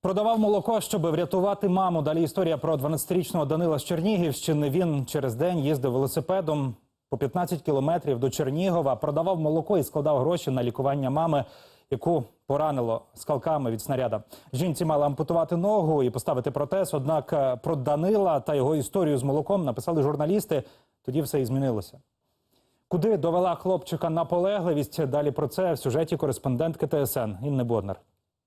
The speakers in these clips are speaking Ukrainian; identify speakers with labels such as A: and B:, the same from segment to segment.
A: Продавав молоко, щоб врятувати маму. Далі історія про 12-річного Данила з Чернігівщини. Він через день їздив велосипедом по 15 кілометрів до Чернігова, продавав молоко і складав гроші на лікування мами, яку поранило скалками від снаряда. Жінці мали ампутувати ногу і поставити протез, однак про Данила та його історію з молоком написали журналісти. Тоді все і змінилося. Куди довела хлопчика наполегливість? Далі про це в сюжеті кореспондентки ТСН Інни Боднар.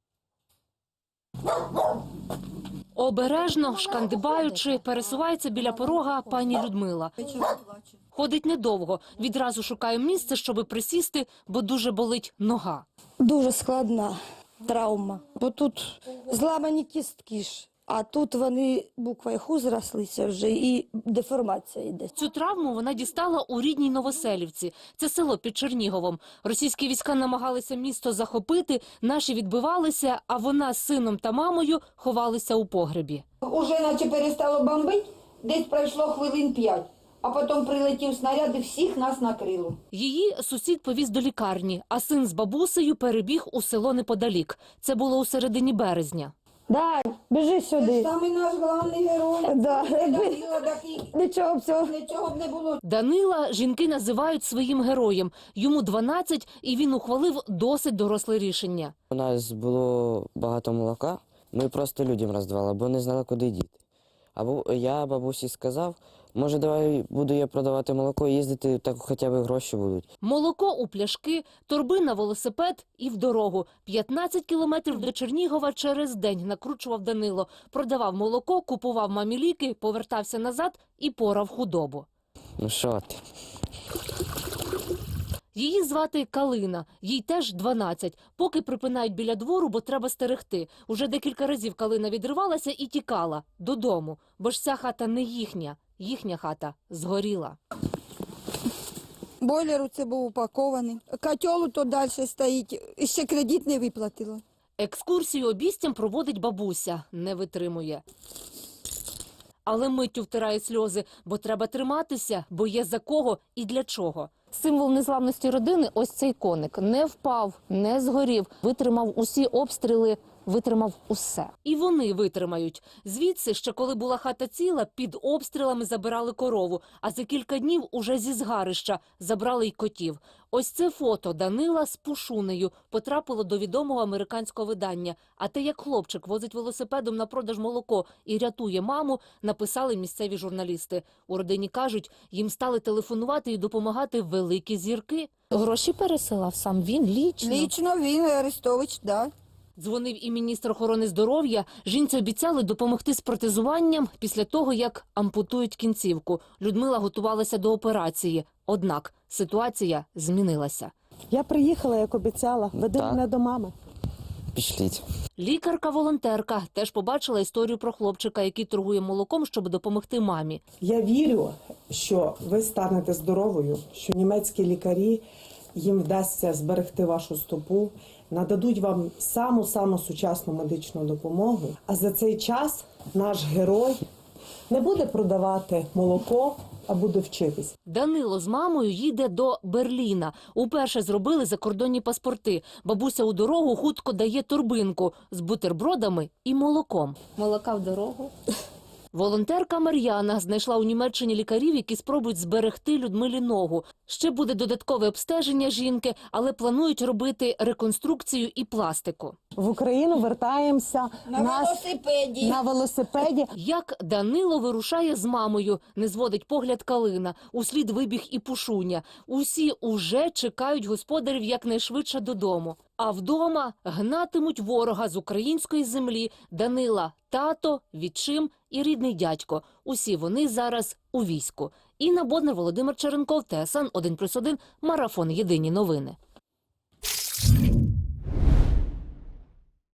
B: Обережно, шкандибаючи, пересувається біля порога пані Людмила. Ходить недовго, відразу шукає місце, щоби присісти, бо дуже болить нога.
C: Дуже складна травма, бо тут зламані кістки ж, а тут вони буквою «Ху» зрослися вже і деформація йде.
B: Цю травму вона дістала у рідній Новоселівці. Це село під Черніговом. Російські війська намагалися місто захопити, наші відбивалися, а вона з сином та мамою ховалися у погребі.
D: Уже наче перестало бомбити, десь пройшло хвилин 5. А потім прилетів снаряд і всіх нас накрило.
B: Її сусід повіз до лікарні, а син з бабусею перебіг у село неподалік. Це було у середині березня.
C: Дай, біжи сюди.
D: Саме наш головний герой.
C: Да.
D: Данила такий, нічого б не було.
B: Данила жінки називають своїм героєм. Йому 12, і він ухвалив досить доросле рішення.
E: У нас було багато молока, ми просто людям роздавали, бо не знали, куди діти. Або я бабусі сказав, може, давай буду я продавати молоко і їздити, так хоча б гроші будуть.
B: Молоко у пляшки, торби на велосипед і в дорогу. 15 кілометрів до Чернігова через день накручував Данило. Продавав молоко, купував мамі ліки, повертався назад і порав худобу.
E: Ну що ти?
B: Її звати Калина, їй теж 12. Поки припинають біля двору, бо треба стерегти. Уже декілька разів Калина відривалася і тікала додому, бо ж ця хата не їхня. Їхня хата згоріла.
C: Бойлер у це був упакований. Котел тут далі стоїть. Ще кредит не виплатила.
B: Екскурсію обійстям проводить бабуся. Не витримує. Але миттю втирає сльози, бо треба триматися, бо є за кого і для чого. Символ незламності родини – ось цей коник. Не впав, не згорів, витримав усі обстріли, витримав усе. І вони витримають. Звідси, ще коли була хата ціла, під обстрілами забирали корову, а за кілька днів уже зі згарища забрали й котів. Ось це фото Данила з Пушунею потрапило до відомого американського видання. А те, як хлопчик возить велосипедом на продаж молоко і рятує маму, написали місцеві журналісти. У родині кажуть, їм стали телефонувати і допомагати великі зірки. Гроші пересилав сам він лічно.
C: Лічно він, Арестович, да.
B: Дзвонив і міністр охорони здоров'я. Жінці обіцяли допомогти з протезуванням після того, як ампутують кінцівку. Людмила готувалася до операції. Однак ситуація змінилася.
F: Я приїхала, як обіцяла. Веди мене до мами.
E: Пішліть.
B: Лікарка-волонтерка теж побачила історію про хлопчика, який торгує молоком, щоб допомогти мамі.
F: Я вірю, що ви станете здоровою, що німецькі лікарі, їм вдасться зберегти вашу стопу, нададуть вам саму сучасну медичну допомогу. А за цей час наш герой не буде продавати молоко, а буде вчитись.
B: Данило з мамою їде до Берліна. Уперше зробили закордонні паспорти. Бабуся у дорогу хутко дає торбинку з бутербродами і молоком. Молока в дорогу. Волонтерка Мар'яна знайшла у Німеччині лікарів, які спробують зберегти Людмилі ногу. Ще буде додаткове обстеження жінки, але планують робити реконструкцію і пластику.
F: В Україну вертаємося на велосипеді.
B: Як Данило вирушає з мамою, не зводить погляд Калина. Услід вибіг і Пушуня. Усі уже чекають господарів якнайшвидше додому. А вдома гнатимуть ворога з української землі Данила, тато, відчим і рідний дядько. Усі вони зараз у війську. Інна Боднар, Володимир Черенков, ТСН 1+1, Марафон. Єдині новини.